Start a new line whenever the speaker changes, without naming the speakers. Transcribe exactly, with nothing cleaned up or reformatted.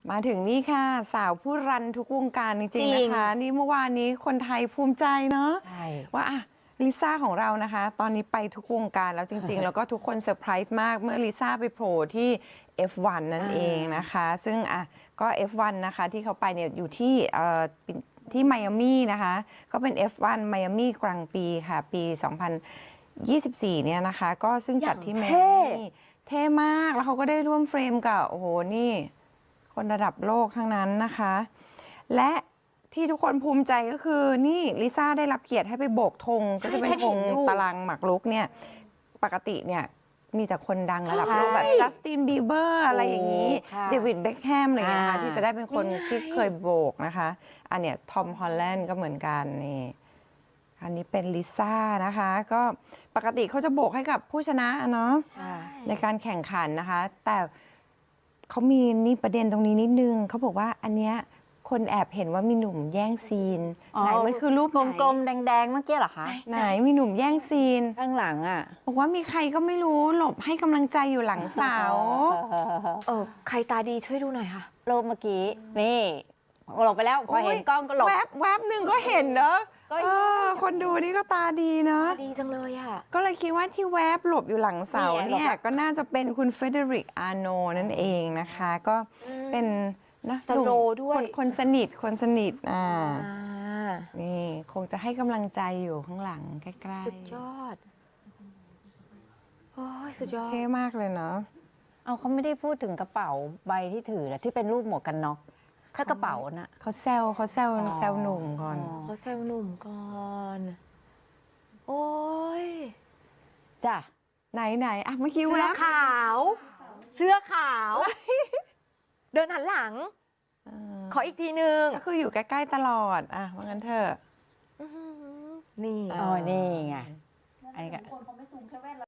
มาถึงนี่ค่ะสาวผู้รันทุกวงการจริงๆนะคะนี่เมื่อวานนี้คนไทยภูมิใจเนาะว่าอะลิซ่าของเรานะคะตอนนี้ไปทุกวงการแล้วจริงๆ แล้วก็ทุกคนเซอร์ไพรส์มากเมื่อลิซ่าไปโผล่ที่ เอฟ วัน นั่นเองนะคะซึ่งอ่ะก็ เอฟ วัน นะคะที่เขาไปเนี่ยอยู่ที่เอ่อที่ไมอามี่นะคะก็เป็น เอฟ วัน ไมอามี่กลางปีค่ะปี สองพันยี่สิบสี่ เนี่ยนะคะก็ซึ่งจัดที่ไมอามี่เท่มากแล้วเขาก็ได้ร่วมเฟรมกับโอ้โหนี่คนระดับโลกทั้งนั้นนะคะและที่ทุกคนภูมิใจก็คือนี่ลิซ่าได้รับเกียรติให้ไปโบกธงก็จะเป็นธงตารางหมากรุกเนี่ยปกติเนี่ยมีแต่คนดังระดับโลกแบบจัสตินบีเบอร์อะไรอย่างนี้เดวิดเบ็คแฮมอะไรอย่างเงี้ยนะคะที่จะได้เป็นคนที่เคยโบกนะคะอันเนี้ยทอมฮอลแลนด์ก็เหมือนกันนี่อันนี้เป็นลิซ่านะคะก็ปกติเขาจะโบกให้กับผู้ชนะเนาะในการแข่งขันนะคะแต่เขามีนี่ประเด็นตรงนี้นิดนึงเขาบอกว่าอันเนี้ยคนแอบเห็นว่ามีหนุ่มแย่งซีนไหนมันคือรูป
กลมๆแดงๆเมื่อกี้เหรอคะ
ไหนมีหนุ่มแย่งซีน
ข้างหลังอ่ะ
บอกว่ามีใครก็ไม่รู้หลบให้กำลังใจอยู่หลังเสา
เออใครตาดีช่วยดูหน่อยค่ะ
โลบเมื่อกี้นี่หลบไปแล้วพอเห็นกล้องก็หลบ
แวบแวบหนึ่งก็เห็นเนอะคนดูนี่ก็ตาดีเนาะ
ดีจังเลยอ่ะ
ก็เลยคิดว่าที่แวบหลบอยู่หลังเสาเนี่ยก็น่าจะเป็นคุณเฟเดริกอาโนนั่นเองนะคะก็เป็นนะ
สโลด้วย
คนสนิทคนสนิทอ่านี่คงจะให้กำลังใจอยู่ข้างหลังใกล้ๆ
สุดยอดโอ้ยสุดยอด
เท่มากเลยเนาะ
เอาเขาไม่ได้พูดถึงกระเป๋าใบที่ถือแล้วที่เป็นรูปหมวกกันน็อกถ้ากระเป๋าน่ะ
เขาแซวเขาแซวแซวหนุ่มก่อน
เขาแซวหนุ่มก่อนโอ้ย
จ้ะ
ไหนไหนอ่ะเมื่อกี้แว
เสื้อบ ขาวเสื้อขาวเดินหันหลังขออีกทีนึง
ก็คืออยู่ใกล้ๆตลอดอ่ะว่างั้นเถอะ
นี่
อ๋อนี่ไงไอ้ก็